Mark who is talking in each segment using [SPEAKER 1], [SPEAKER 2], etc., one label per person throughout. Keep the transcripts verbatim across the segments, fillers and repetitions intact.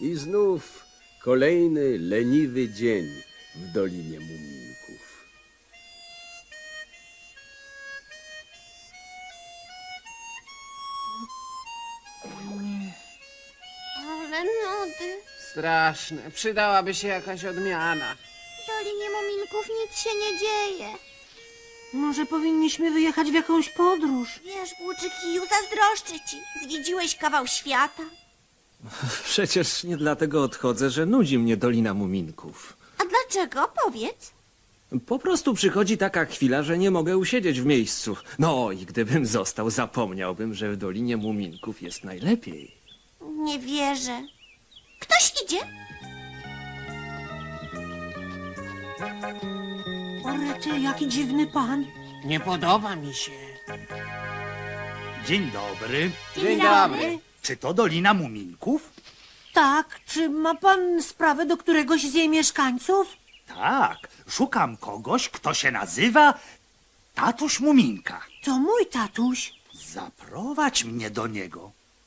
[SPEAKER 1] I znów kolejny leniwy dzień w Dolinie Muminków.
[SPEAKER 2] Ale nudy.
[SPEAKER 3] Straszne. Przydałaby się jakaś odmiana.
[SPEAKER 2] W Dolinie Muminków nic się nie dzieje.
[SPEAKER 4] Może powinniśmy wyjechać w jakąś podróż?
[SPEAKER 2] Wiesz, Włóczykiju, zazdroszczę ci. Zwiedziłeś kawał świata.
[SPEAKER 5] Przecież nie dlatego odchodzę, że nudzi mnie Dolina Muminków.
[SPEAKER 2] A dlaczego? Powiedz.
[SPEAKER 5] Po prostu przychodzi taka chwila, że nie mogę usiedzieć w miejscu. No i gdybym został, zapomniałbym, że w Dolinie Muminków jest najlepiej.
[SPEAKER 2] Nie wierzę. Ktoś idzie?
[SPEAKER 4] O rety, jaki dziwny pan.
[SPEAKER 3] Nie podoba mi się.
[SPEAKER 6] Dzień dobry.
[SPEAKER 3] Dzień dobry.
[SPEAKER 6] Czy to Dolina Muminków?
[SPEAKER 4] Tak, czy ma pan sprawę do któregoś z jej mieszkańców?
[SPEAKER 6] Tak, szukam kogoś, kto się nazywa Tatuś Muminka.
[SPEAKER 4] To mój tatuś.
[SPEAKER 6] Zaprowadź mnie do niego.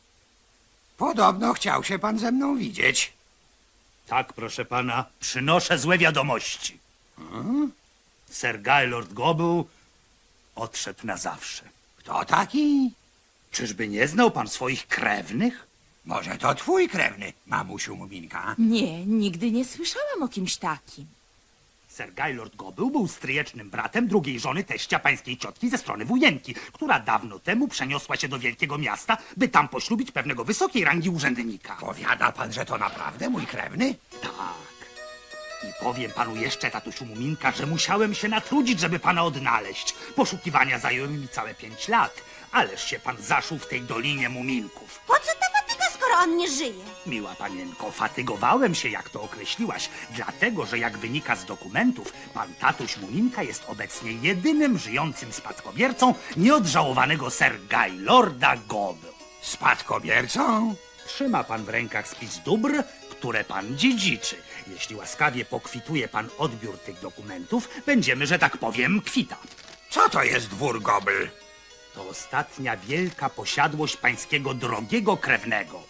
[SPEAKER 7] Podobno chciał się pan ze mną widzieć.
[SPEAKER 6] Tak, proszę pana, przynoszę złe wiadomości.
[SPEAKER 7] Hmm?
[SPEAKER 6] Sir Gaylord Goble odszedł na zawsze.
[SPEAKER 7] Kto taki?
[SPEAKER 6] Czyżby nie znał pan swoich krewnych?
[SPEAKER 7] Może to twój krewny, mamusiu Muminka.
[SPEAKER 8] Nie, nigdy nie słyszałam o kimś takim.
[SPEAKER 6] Sir Gaylord Goble był stryjecznym bratem drugiej żony teścia pańskiej ciotki ze strony wujenki, która dawno temu przeniosła się do wielkiego miasta, by tam poślubić pewnego wysokiej rangi urzędnika.
[SPEAKER 7] Powiada pan, że to naprawdę mój krewny?
[SPEAKER 6] Tak. I powiem panu jeszcze, tatusiu Muminka, że musiałem się natrudzić, żeby pana odnaleźć. Poszukiwania zajęły mi całe pięć lat. Ależ się pan zaszył w tej Dolinie Muminków.
[SPEAKER 2] Po co ta fatyga, skoro on nie żyje?
[SPEAKER 6] Miła panienko, fatygowałem się, jak to określiłaś, dlatego, że jak wynika z dokumentów, pan tatuś Muminka jest obecnie jedynym żyjącym spadkobiercą nieodżałowanego Sir Gaylorda Goble.
[SPEAKER 7] Spadkobiercą?
[SPEAKER 6] Trzyma pan w rękach spis dóbr, które pan dziedziczy. Jeśli łaskawie pokwituje pan odbiór tych dokumentów, będziemy, że tak powiem, kwita.
[SPEAKER 7] Co to jest dwór Gobel?
[SPEAKER 6] To ostatnia wielka posiadłość pańskiego drogiego krewnego.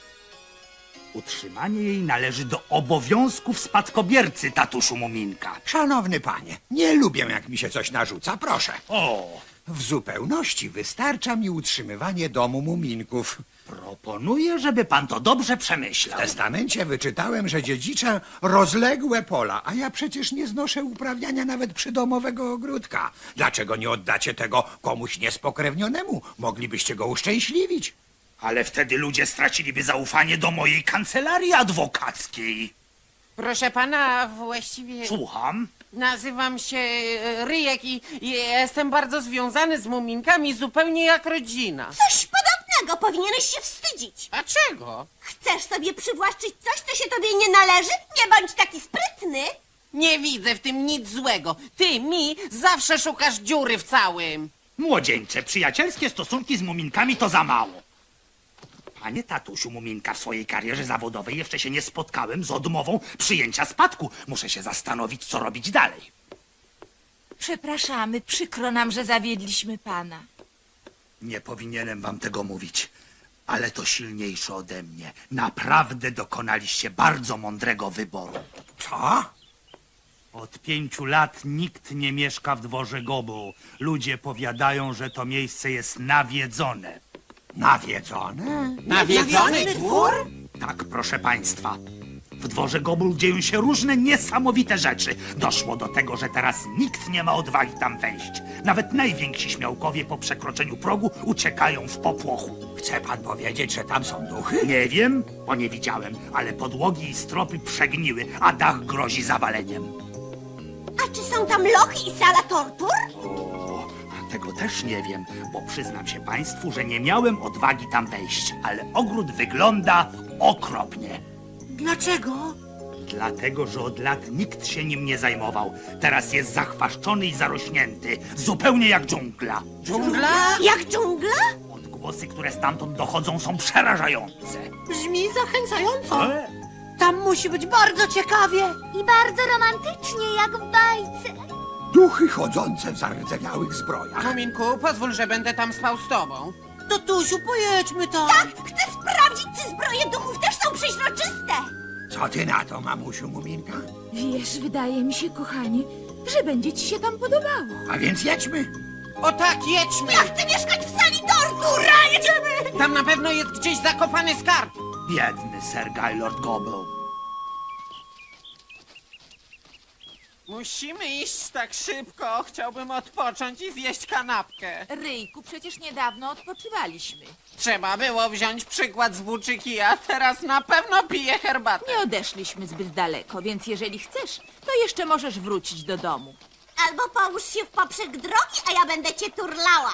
[SPEAKER 6] Utrzymanie jej należy do obowiązków spadkobiercy, tatuszu Muminka.
[SPEAKER 7] Szanowny panie, nie lubię, jak mi się coś narzuca, proszę.
[SPEAKER 6] O,
[SPEAKER 7] W zupełności wystarcza mi utrzymywanie domu Muminków.
[SPEAKER 6] proponuję, żeby pan to dobrze
[SPEAKER 7] W
[SPEAKER 6] przemyślał.
[SPEAKER 7] testamencie wyczytałem, że dziedziczę rozległe pola, a ja przecież nie znoszę uprawiania nawet przydomowego ogródka. Dlaczego nie oddacie tego komuś niespokrewnionemu? Moglibyście go uszczęśliwić.
[SPEAKER 6] Ale wtedy ludzie straciliby zaufanie do mojej kancelarii adwokackiej.
[SPEAKER 3] Proszę pana, właściwie
[SPEAKER 6] Słucham?
[SPEAKER 3] nazywam się e, Ryjek i, i jestem bardzo związany z muminkami, zupełnie jak rodzina.
[SPEAKER 2] Coś podobnego, powinieneś się wstydzić.
[SPEAKER 3] A czego?
[SPEAKER 2] Chcesz sobie przywłaszczyć coś, co się tobie nie należy? Nie bądź taki sprytny.
[SPEAKER 3] Nie widzę w tym nic złego. Ty mi zawsze szukasz dziury w całym.
[SPEAKER 6] Młodzieńcze, przyjacielskie stosunki z muminkami to za mało. Panie tatusiu Muminka, w swojej karierze zawodowej jeszcze się nie spotkałem z odmową przyjęcia spadku. Muszę się zastanowić, co robić dalej.
[SPEAKER 8] Przepraszamy, przykro nam, że zawiedliśmy pana.
[SPEAKER 6] Nie powinienem wam tego mówić, ale to silniejsze ode mnie. Naprawdę dokonaliście bardzo mądrego wyboru.
[SPEAKER 7] Co?
[SPEAKER 6] Od pięciu lat nikt nie mieszka w dworze Goble. Ludzie powiadają, że to miejsce jest nawiedzone.
[SPEAKER 7] Nawiedzone?
[SPEAKER 3] Nawiedzony dwór?
[SPEAKER 6] Tak, proszę państwa. W dworze Goble dzieją się różne niesamowite rzeczy. Doszło do tego, że teraz nikt nie ma odwagi tam wejść. Nawet najwięksi śmiałkowie po przekroczeniu progu uciekają w popłochu.
[SPEAKER 7] Chce pan powiedzieć, że tam są duchy?
[SPEAKER 6] Nie wiem, bo nie widziałem, ale podłogi i stropy przegniły, a dach grozi zawaleniem.
[SPEAKER 2] A czy są tam lochy i sala tortur?
[SPEAKER 6] O, tego też nie wiem, bo przyznam się państwu, że nie miałem odwagi tam wejść, ale ogród wygląda okropnie.
[SPEAKER 4] Dlaczego?
[SPEAKER 6] Dlatego, że od lat nikt się nim nie zajmował. Teraz jest zachwaszczony i zarośnięty, zupełnie jak dżungla.
[SPEAKER 3] Dżungla?
[SPEAKER 2] Jak dżungla?
[SPEAKER 6] Odgłosy, które stamtąd dochodzą, są przerażające.
[SPEAKER 4] Brzmi zachęcająco.
[SPEAKER 6] E?
[SPEAKER 4] Tam musi być bardzo ciekawie.
[SPEAKER 2] I bardzo romantycznie, jak w bajce.
[SPEAKER 7] Duchy chodzące w zardzewiałych zbrojach.
[SPEAKER 3] Muminku, pozwól, że będę tam spał z tobą.
[SPEAKER 4] Tatusiu, pojedźmy tam.
[SPEAKER 2] Tak, chcę sprawdzić, czy zbroje duchów też są przeźroczyste.
[SPEAKER 7] Co ty na to, mamusiu Muminka?
[SPEAKER 8] Wiesz, wydaje mi się, kochanie, że będzie ci się tam podobało.
[SPEAKER 7] A więc jedźmy.
[SPEAKER 3] O tak, jedźmy!
[SPEAKER 2] Ja chcę mieszkać w sali tortu! Ura, jedziemy!
[SPEAKER 3] Tam na pewno jest gdzieś zakopany skarb.
[SPEAKER 6] Biedny Sir Gaylord Gobble.
[SPEAKER 3] Musimy iść tak szybko. Chciałbym odpocząć i zjeść kanapkę.
[SPEAKER 8] Ryjku, przecież niedawno odpoczywaliśmy.
[SPEAKER 3] Trzeba było wziąć przykład z włóczyki, a teraz na pewno piję herbatę.
[SPEAKER 8] Nie odeszliśmy zbyt daleko, więc jeżeli chcesz, to jeszcze możesz wrócić do domu.
[SPEAKER 2] Albo połóż się w poprzek drogi, a ja będę cię turlała.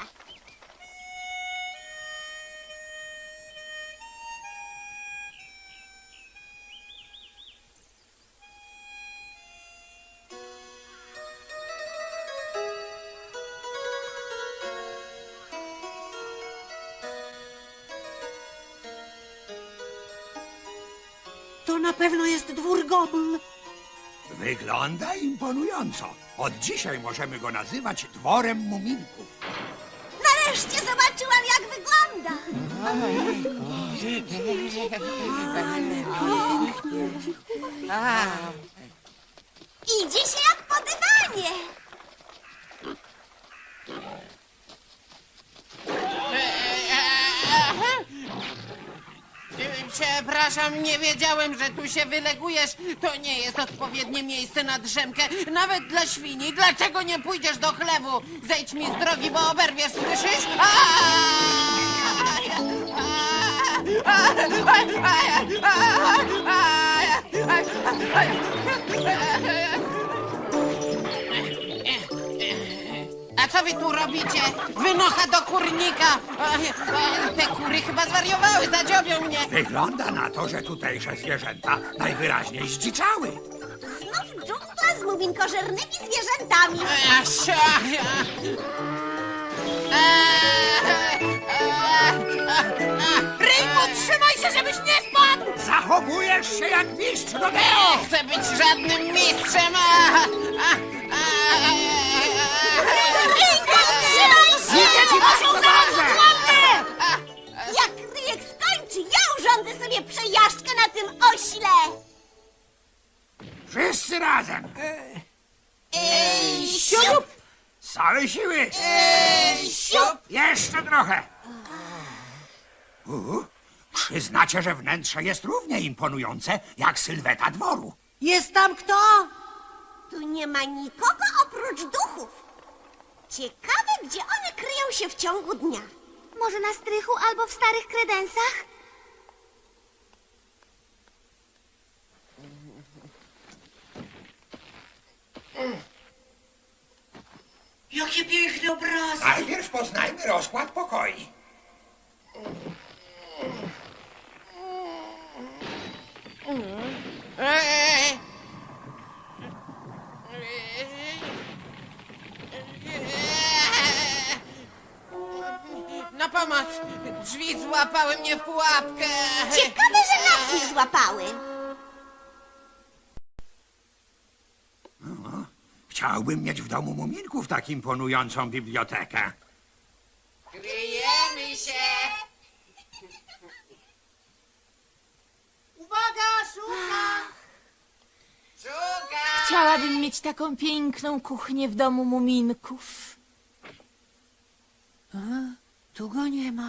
[SPEAKER 4] To na pewno jest dwór Gobl.
[SPEAKER 7] Wygląda imponująco. Od dzisiaj możemy go nazywać dworem muminków.
[SPEAKER 2] Nareszcie zobaczyłam, jak wygląda.
[SPEAKER 3] A,
[SPEAKER 2] Idzie się jak po dywanie.
[SPEAKER 3] Przepraszam, nie wiedziałem, że tu się wylegujesz. To nie jest odpowiednie miejsce na drzemkę, nawet dla świni. Dlaczego nie pójdziesz do chlewu? Zejdź mi z drogi, bo oberwiesz, słyszysz? A co wy tu robicie? Wynocha do kurnika! Te kury chyba zwariowały, zadziobią mnie!
[SPEAKER 7] Wygląda na to, że tutejsze zwierzęta najwyraźniej zdziczały.
[SPEAKER 2] Znów dżungla z muminkożernymi zwierzętami. Ryjku, trzymaj się, żebyś nie spadł!
[SPEAKER 7] Zachowujesz się jak mistrz rodeo!
[SPEAKER 3] Nie chcę być żadnym mistrzem! A, a, a, a,
[SPEAKER 2] Ryjku, trzymaj się!
[SPEAKER 7] Idę ci was
[SPEAKER 2] Muszą
[SPEAKER 7] zaraz
[SPEAKER 2] zaraz złapę! Jak Ryjek skończy, ja urządzę sobie przejażdżkę na tym ośle!
[SPEAKER 7] Wszyscy razem!
[SPEAKER 2] Ej, siup!
[SPEAKER 7] Z całej siły!
[SPEAKER 2] Ej, siup!
[SPEAKER 7] Jeszcze trochę! U, przyznacie, że wnętrze jest równie imponujące jak sylweta dworu.
[SPEAKER 4] Jest tam kto?
[SPEAKER 2] Tu nie ma nikogo oprócz duchów. Ciekawe, gdzie one kryją się w ciągu dnia. Może na strychu albo w starych kredensach?
[SPEAKER 4] Jakie piękne obrazy.
[SPEAKER 7] Najpierw poznajmy rozkład pokoi.
[SPEAKER 3] Eee! Na pomoc! Drzwi złapały mnie w pułapkę!
[SPEAKER 2] Ciekawe, że nas nie złapały.
[SPEAKER 7] Chciałbym mieć w domu muminków tak imponującą bibliotekę.
[SPEAKER 3] Kryjemy się!
[SPEAKER 2] Uwaga, szuka!
[SPEAKER 3] Szuka!
[SPEAKER 8] Chciałabym mieć taką piękną kuchnię w domu muminków.
[SPEAKER 4] Tu go nie ma.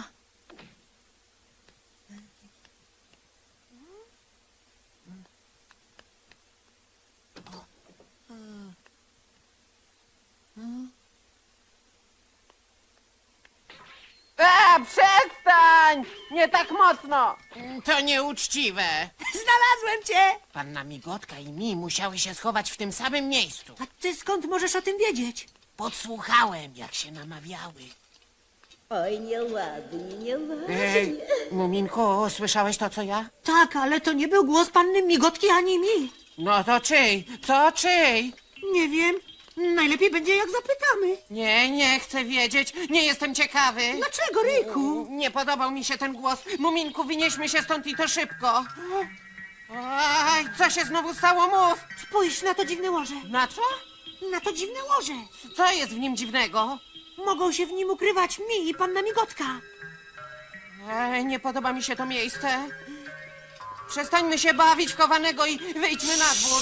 [SPEAKER 3] A, przestań! Nie tak mocno! To nieuczciwe.
[SPEAKER 4] Znalazłem cię!
[SPEAKER 3] Panna Migotka i mi musiały się schować w tym samym miejscu.
[SPEAKER 4] A ty skąd możesz o tym wiedzieć?
[SPEAKER 3] Podsłuchałem, jak się namawiały.
[SPEAKER 2] Oj, nieładnie, nieładnie.
[SPEAKER 3] Ej, Muminku, słyszałeś to, co ja?
[SPEAKER 4] Tak, ale to nie był głos panny Migotki ani mi.
[SPEAKER 3] No to czyj? Co czyj?
[SPEAKER 4] Nie wiem. Najlepiej będzie, jak zapytamy.
[SPEAKER 3] Nie, nie chcę wiedzieć. Nie jestem ciekawy.
[SPEAKER 4] Dlaczego, Ryjku?
[SPEAKER 3] Nie podobał mi się ten głos. Muminku, wynieśmy się stąd i to szybko. Aj, co się znowu stało? Mów!
[SPEAKER 4] Spójrz na to dziwne łoże.
[SPEAKER 3] Na co?
[SPEAKER 4] Na to dziwne łoże.
[SPEAKER 3] Co jest w nim dziwnego?
[SPEAKER 4] Mogą się w nim ukrywać mi i panna Migotka.
[SPEAKER 3] Ej, nie podoba mi się to miejsce. Przestańmy się bawić w chowanego i wyjdźmy na dwór.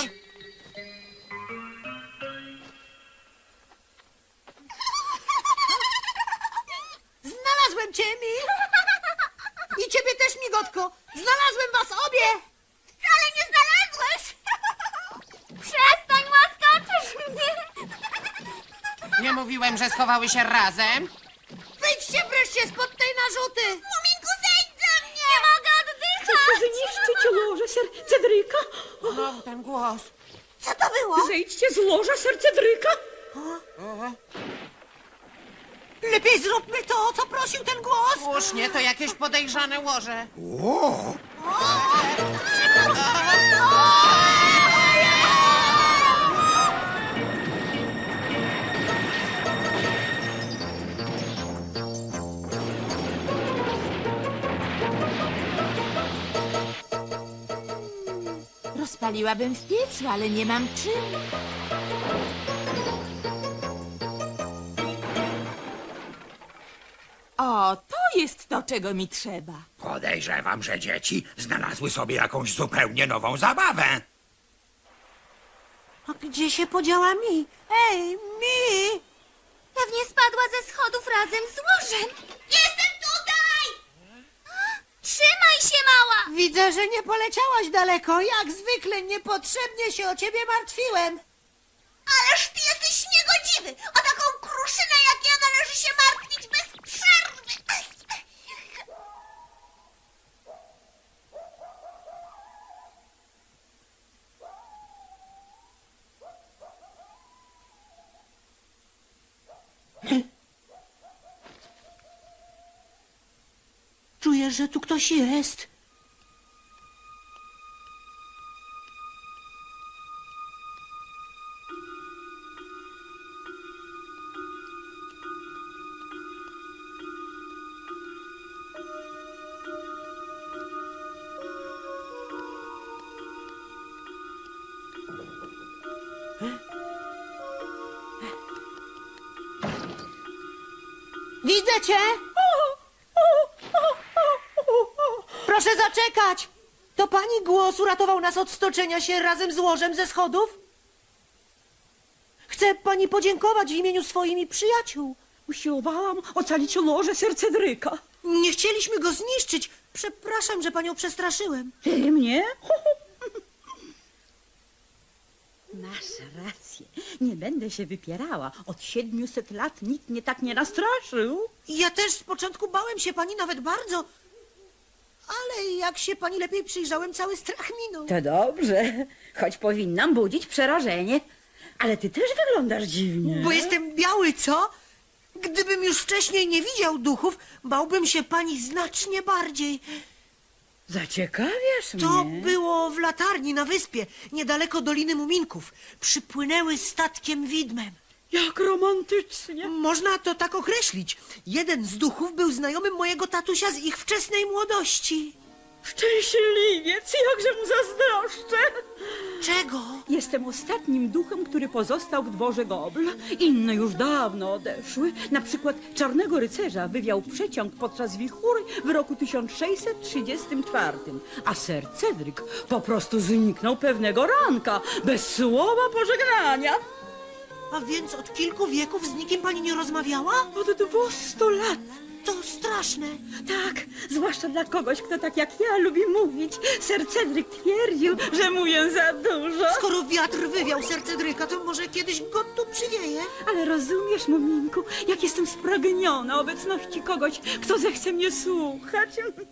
[SPEAKER 4] Znalazłem cię, Mi! I ciebie też, Migotko! Znalazłem was obie!
[SPEAKER 2] Wcale nie znalazłeś! Przestań, łaskoczysz mnie!
[SPEAKER 3] Nie mówiłem, że schowały się razem?
[SPEAKER 4] Wyjdźcie wreszcie spod tej narzuty!
[SPEAKER 2] Muminku, zejdź ze mnie! Nie mogę oddychać!
[SPEAKER 9] Chcecie zniszczyć łoże ser Cedryka?
[SPEAKER 3] Znowu ten głos.
[SPEAKER 2] Co to było?
[SPEAKER 9] Zejdźcie z łoża ser Cedryka!
[SPEAKER 4] Lepiej zróbmy to, o co prosił ten głos!
[SPEAKER 3] Słusznie, to jakieś podejrzane łoże.
[SPEAKER 7] O!
[SPEAKER 8] Rozpaliłabym w piecu, ale nie mam czym. O, to jest to, czego mi trzeba.
[SPEAKER 7] Podejrzewam, że dzieci znalazły sobie jakąś zupełnie nową zabawę.
[SPEAKER 4] A gdzie się podziała Mi? Ej, Mi!
[SPEAKER 2] Pewnie spadła ze schodów razem z łożem. Jestem tutaj! Trzymaj się, mała!
[SPEAKER 4] Widzę, że nie poleciałaś daleko. Jak zwykle niepotrzebnie się o ciebie martwiłem.
[SPEAKER 2] Ależ ty jesteś niegodziwy! O taką kruszynę jak ja należy się martwić bez przerwy!
[SPEAKER 4] Czuję, że tu ktoś jest. Widzę cię! Proszę zaczekać! To pani głos uratował nas od stoczenia się razem z łożem ze schodów? Chcę pani podziękować w imieniu swoim i przyjaciół.
[SPEAKER 9] Usiłowałam ocalić łoże ser Cedryka.
[SPEAKER 4] Nie chcieliśmy go zniszczyć. Przepraszam, że panią przestraszyłem.
[SPEAKER 9] Ty mnie?
[SPEAKER 10] Masz rację. Nie będę się wypierała. Od siedmiuset lat nikt mnie tak nie nastraszył.
[SPEAKER 4] Ja też z początku bałem się pani nawet bardzo. Ale jak się pani lepiej przyjrzałem, cały strach minął.
[SPEAKER 10] To dobrze, choć powinnam budzić przerażenie. Ale ty też wyglądasz dziwnie.
[SPEAKER 4] Bo jestem biały, co? Gdybym już wcześniej nie widział duchów, bałbym się pani znacznie bardziej.
[SPEAKER 10] Zaciekawiasz
[SPEAKER 4] To
[SPEAKER 10] mnie.
[SPEAKER 4] było w latarni na wyspie, niedaleko Doliny Muminków. Przypłynęły statkiem widmem.
[SPEAKER 10] Jak romantycznie.
[SPEAKER 4] Można to tak określić. Jeden z duchów był znajomym mojego tatusia z ich wczesnej młodości.
[SPEAKER 10] Szczęśliwiec, jakże mu zazdroszczę.
[SPEAKER 4] Czego?
[SPEAKER 10] Jestem ostatnim duchem, który pozostał w dworze Gobl. Inne już dawno odeszły. Na przykład Czarnego Rycerza wywiał przeciąg podczas wichury w roku tysiąc sześćset trzydziestym czwartym. A Ser Cedryk po prostu zniknął pewnego ranka, bez słowa pożegnania.
[SPEAKER 4] A więc od kilku wieków z nikim pani nie rozmawiała?
[SPEAKER 10] Od dwustu lat.
[SPEAKER 4] To straszne.
[SPEAKER 10] Tak, zwłaszcza dla kogoś, kto tak jak ja lubi mówić. Ser Cedryk twierdził, że mówię za dużo.
[SPEAKER 4] Skoro wiatr wywiał serce Dryka, to może kiedyś go tu przywieje?
[SPEAKER 10] Ale rozumiesz, Muminku, jak jestem spragniona obecności kogoś, kto zechce mnie słuchać.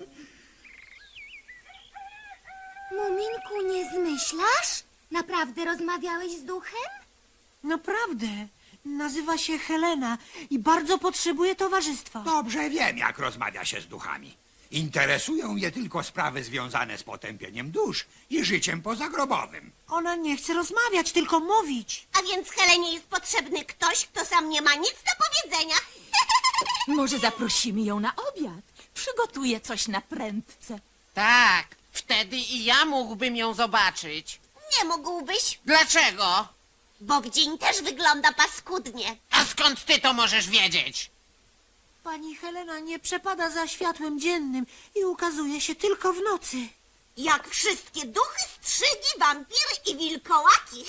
[SPEAKER 2] Muminku, nie zmyślasz? Naprawdę rozmawiałeś z duchem?
[SPEAKER 4] Naprawdę. Nazywa się Helena i bardzo potrzebuje towarzystwa.
[SPEAKER 7] Dobrze wiem, jak rozmawia się z duchami. Interesują je tylko sprawy związane z potępieniem dusz i życiem pozagrobowym.
[SPEAKER 4] Ona nie chce rozmawiać, tylko mówić.
[SPEAKER 2] A więc Helenie jest potrzebny ktoś, kto sam nie ma nic do powiedzenia.
[SPEAKER 8] Może zaprosimy ją na obiad? Przygotuję coś na prędce.
[SPEAKER 3] Tak, wtedy i ja mógłbym ją zobaczyć.
[SPEAKER 2] Nie mógłbyś,
[SPEAKER 3] Dlaczego?
[SPEAKER 2] bo w dzień też wygląda paskudnie.
[SPEAKER 3] A skąd ty to możesz wiedzieć?
[SPEAKER 4] Pani Helena nie przepada za światłem dziennym i ukazuje się tylko w nocy.
[SPEAKER 2] Jak wszystkie duchy, strzygi, wampiry i wilkołaki.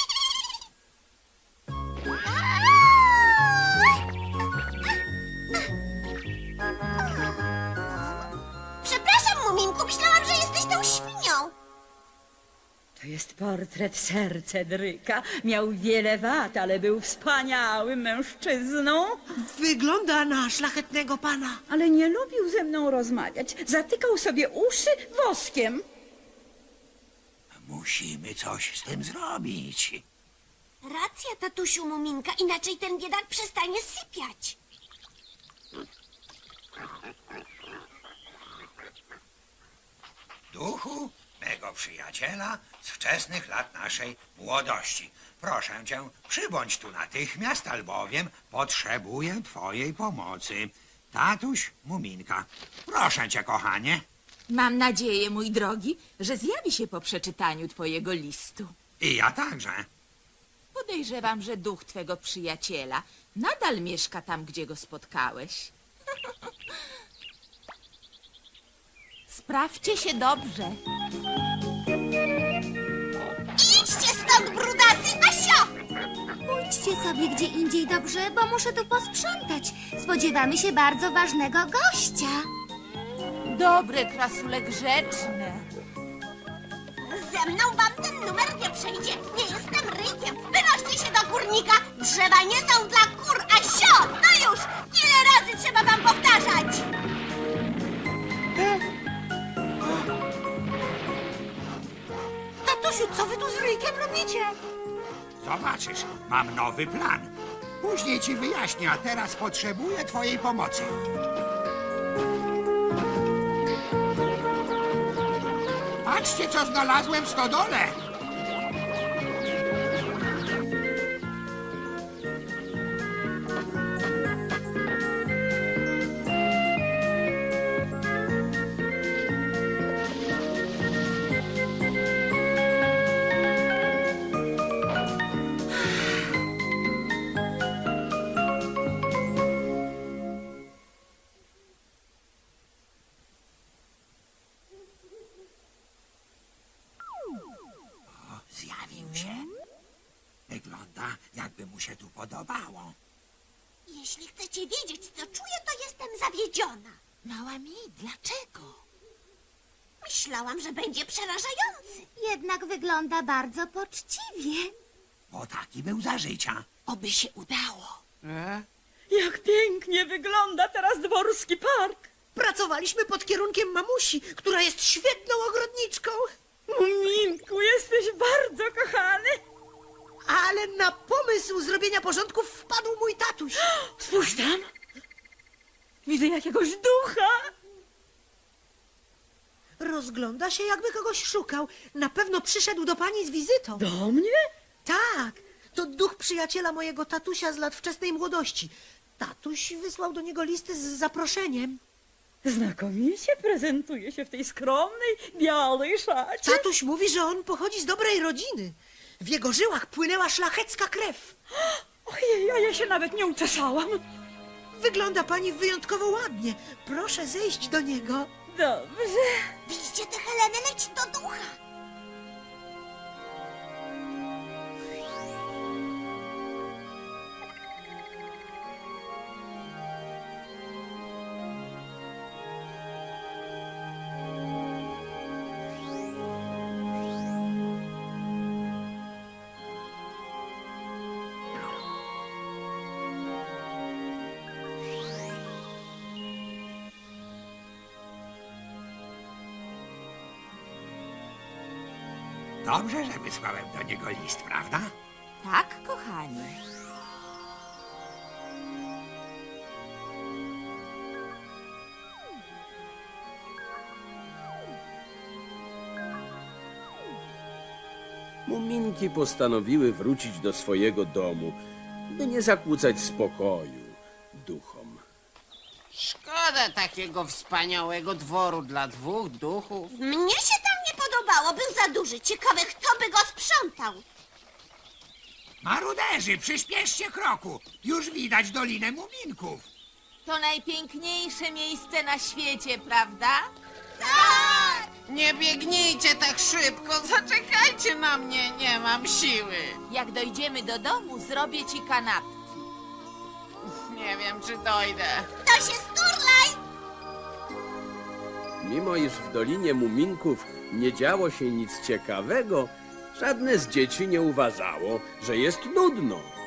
[SPEAKER 2] Przepraszam, Muminku, myślałam, że jesteś tą świnią.
[SPEAKER 10] To jest portret Sir Cedryka. Miał wiele wad, ale był wspaniałym mężczyzną.
[SPEAKER 4] Wygląda na szlachetnego pana.
[SPEAKER 10] Ale nie lubił ze mną rozmawiać. Zatykał sobie uszy woskiem.
[SPEAKER 7] Musimy coś z tym zrobić.
[SPEAKER 2] Racja, tatusiu Muminka, inaczej ten biedak przestanie sypiać.
[SPEAKER 7] Duchu, mego przyjaciela z wczesnych lat naszej młodości. Proszę cię, przybądź tu natychmiast, albowiem potrzebuję twojej pomocy. Tatuś, Muminka. Proszę cię, kochanie.
[SPEAKER 8] Mam nadzieję, mój drogi, że zjawi się po przeczytaniu twojego listu.
[SPEAKER 7] I ja także.
[SPEAKER 8] Podejrzewam, że duch twego przyjaciela nadal mieszka tam, gdzie go spotkałeś. Sprawdźcie się dobrze.
[SPEAKER 2] Idźcie stąd, brudasy, Asio!
[SPEAKER 11] Pójdźcie sobie gdzie indziej, dobrze, bo muszę tu posprzątać. Spodziewamy się bardzo ważnego gościa.
[SPEAKER 8] Dobre, krasule grzeczne.
[SPEAKER 2] Ze mną wam ten numer nie przejdzie. Nie jestem rykiem. Wynoście się do kurnika. Drzewa nie są dla kur, Asio! No już! Ile razy trzeba wam powtarzać?
[SPEAKER 4] Tatusiu, co wy tu z ryjkiem robicie?
[SPEAKER 7] Zobaczysz, mam nowy plan. Później ci wyjaśnię, a teraz potrzebuję twojej pomocy. Patrzcie, co znalazłem w stodole. Zjawił się. Wygląda, jakby mu się tu podobało.
[SPEAKER 2] Jeśli chcecie wiedzieć, co czuję, to jestem zawiedziona.
[SPEAKER 8] Mała mi, dlaczego?
[SPEAKER 2] Myślałam, że będzie przerażający.
[SPEAKER 11] Jednak wygląda bardzo poczciwie.
[SPEAKER 7] Bo taki był za życia.
[SPEAKER 8] Oby się udało.
[SPEAKER 10] Jak pięknie wygląda teraz dworski park.
[SPEAKER 4] Pracowaliśmy pod kierunkiem mamusi, która jest świetną ogrodniczką.
[SPEAKER 10] Muminku, jesteś bardzo kochany.
[SPEAKER 4] Ale na pomysł zrobienia porządków wpadł mój tatuś.
[SPEAKER 10] Spójrz tam. Widzę jakiegoś ducha.
[SPEAKER 4] Rozgląda się, jakby kogoś szukał. Na pewno przyszedł do pani z wizytą.
[SPEAKER 10] Do mnie?
[SPEAKER 4] Tak, to duch przyjaciela mojego tatusia z lat wczesnej młodości. Tatuś wysłał do niego listy z zaproszeniem.
[SPEAKER 10] Znakomicie prezentuje się w tej skromnej, białej szacie.
[SPEAKER 4] Tatuś mówi, że on pochodzi z dobrej rodziny. W jego żyłach płynęła szlachecka krew.
[SPEAKER 10] Ojej, a ja się nawet nie uczesałam.
[SPEAKER 4] Wygląda pani wyjątkowo ładnie. Proszę zejść do niego.
[SPEAKER 10] Dobrze.
[SPEAKER 2] Widzicie tę Helenę? Leć do ducha.
[SPEAKER 7] Dobrze, że wysłałem do niego list, prawda?
[SPEAKER 8] Tak, kochanie.
[SPEAKER 1] Muminki postanowiły wrócić do swojego domu, by nie zakłócać spokoju duchom.
[SPEAKER 3] Szkoda takiego wspaniałego dworu dla dwóch duchów.
[SPEAKER 2] Mnie się tam nie podobało. Był za duży. Ciekawe, kto by go sprzątał.
[SPEAKER 7] Maruderzy, przyspieszcie kroku. Już widać Dolinę Muminków.
[SPEAKER 8] To najpiękniejsze miejsce na świecie, prawda?
[SPEAKER 2] Tak!
[SPEAKER 3] Nie biegnijcie tak szybko, zaczekajcie na mnie, nie mam siły.
[SPEAKER 8] Jak dojdziemy do domu, zrobię ci kanapki.
[SPEAKER 3] Nie wiem, czy dojdę.
[SPEAKER 2] To się sturlaj!
[SPEAKER 1] Mimo iż w Dolinie Muminków nie działo się nic ciekawego, żadne z dzieci nie uważało, że jest nudno.